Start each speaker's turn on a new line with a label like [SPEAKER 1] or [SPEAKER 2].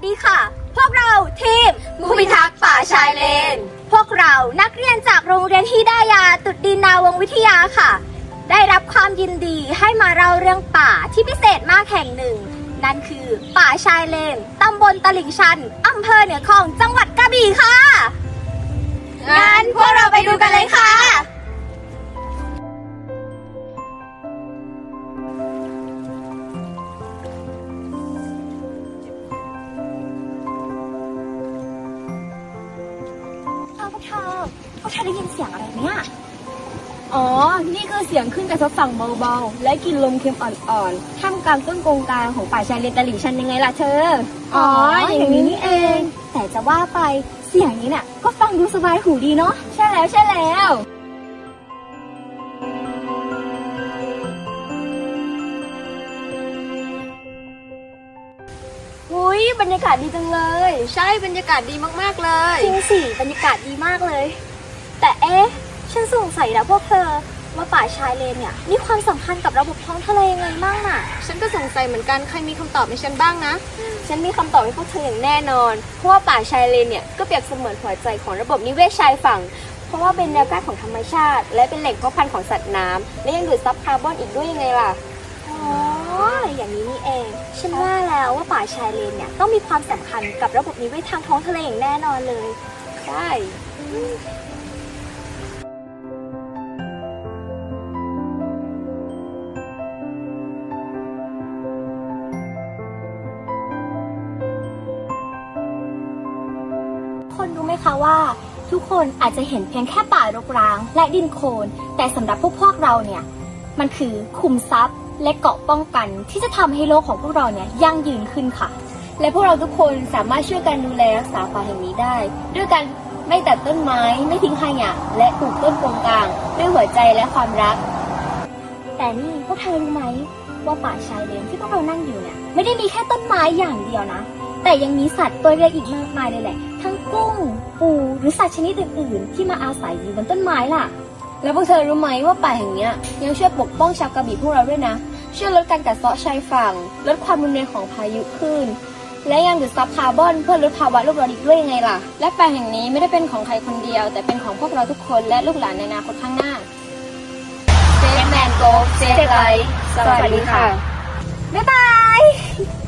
[SPEAKER 1] ดีค่ะ พวกเราทีมผู้พิทักษ์ป่าชายเลน พวกเรานักเรียนจากโรงเรียนฮิดายาตุดดินนาวงศ์วิทยาค่ะ ได้รับความยินดีให้มาเล่าเรื่องป่าที่พิเศษมากแห่งหนึ่ง นั่นคือป่าชายเลน ตำบลตลิ่งชัน อำเภอเหนือคลอง จังหวัดกระบี่ค่ะ งั้นพวกเราไปดูกันเลยค่ะพวกเธอได้ยินเสียงอะไรเนี่ย
[SPEAKER 2] อ๋อ นี่คือเสียงขึ้นกระทบฝั่งเบาๆ และกลิ่นลมเค็มอ่อนๆท่ามกลางต้นกงกลางของป่าชายเลนตลิ่งชันยังไงล่ะเธอ
[SPEAKER 1] อ๋อ อย่างนี้นี่เอง แต่จะว่าไปเสียงนี้เนี่ยก็ฟังดูสบายหูดีเนาะ
[SPEAKER 2] ใช่แล้วใช่แล้ว อุ้ยบรรยากาศดีจังเลย ใช่บรรยากาศดีมากๆเลย
[SPEAKER 1] จริงสิบรรยากาศดีมากเลย แต่ฉันสงสัยนะพวกเธอว่าป่าชายเลนเนี่ยมีความสำคัญกับระบบท้องทะเลยังไงบ้างน่ะ
[SPEAKER 2] ฉันก็สงสัยเหมือนกันใครมีคำตอบให้ฉันบ้างนะ ฉันมีคำตอบให้พวกเธออย่างแน่นอน เพราะว่าป่าชายเลนเนี่ยก็เปรียบเสมือนหัวใจของระบบนิเวศชายฝั่ง เพราะว่าเป็นแนวกั้นของธรรมชาติ และเป็นแหล่งเพาะพันธุ์ของสัตว์น้ำและยังดูดซับคาร์บอนอีกด้วยยังไงล่ะ
[SPEAKER 1] อ๋อ อย่างนี้นี่เอง ฉันว่าแล้วว่าป่าชายเลนเนี่ยต้องมีความสำคัญกับระบบนิเวศทางท้องทะเลอย่างแน่นอนเลย
[SPEAKER 2] ใช่
[SPEAKER 1] คนรู้ไหมคะว่าทุกคนอาจจะเห็นเพียงแค่ป่ารกร้างและดินโคลนแต่สำหรับพวกเราเนี่ยมันคือคุมทรัพย์และเกราะป้องกันที่จะทำให้โลกของพวกเราเนี่ยยั่งยืนขึ้นค่ะ
[SPEAKER 2] และพวกเราทุกคนสามารถช่วยกันดูแลรักษาป่าแห่งนี้ได้ ด้วยการไม่ตัดต้นไม้ไม่ทิ้งขยะและปลูกต้นกงกลางด้วยหัวใจและความรัก
[SPEAKER 1] แต่นี่พวกเธอรู้ไหมว่าป่าชายเลนที่พวกเรานั่งอยู่เนี่ยไม่ได้มีแค่ต้นไม้อย่างเดียวนะแต่ยังมีสัตว์ตัวเล็กอีกมากมายเลยแหละทั้งกุ้งปูหรือสัตว์ชนิดอื่นๆที่มาอาศัยอยู่บนต้นไม้ล่ะ
[SPEAKER 2] แล้วพวกเธอรู้ไหมว่าป่าแห่งเนี้ยยังช่วยปกป้องชาวกระบี่พวกเราด้วยนะช่วยลดการกัดเซาะชายฝั่งลดความรุนแรงของพายุคลื่นและยังดูดซับคาร์บอนเพื่อลดภาวะโลกร้อนอีกด้วยยังไงล่ะและป่าแห่งนี้ไม่ได้เป็นของใครคนเดียวแต่เป็นของพวกเราทุกคนและลูกหลานในอนาคตข้างหน้า Save Man Go Save Life สวัสดีค่ะ
[SPEAKER 1] บ๊ายบาย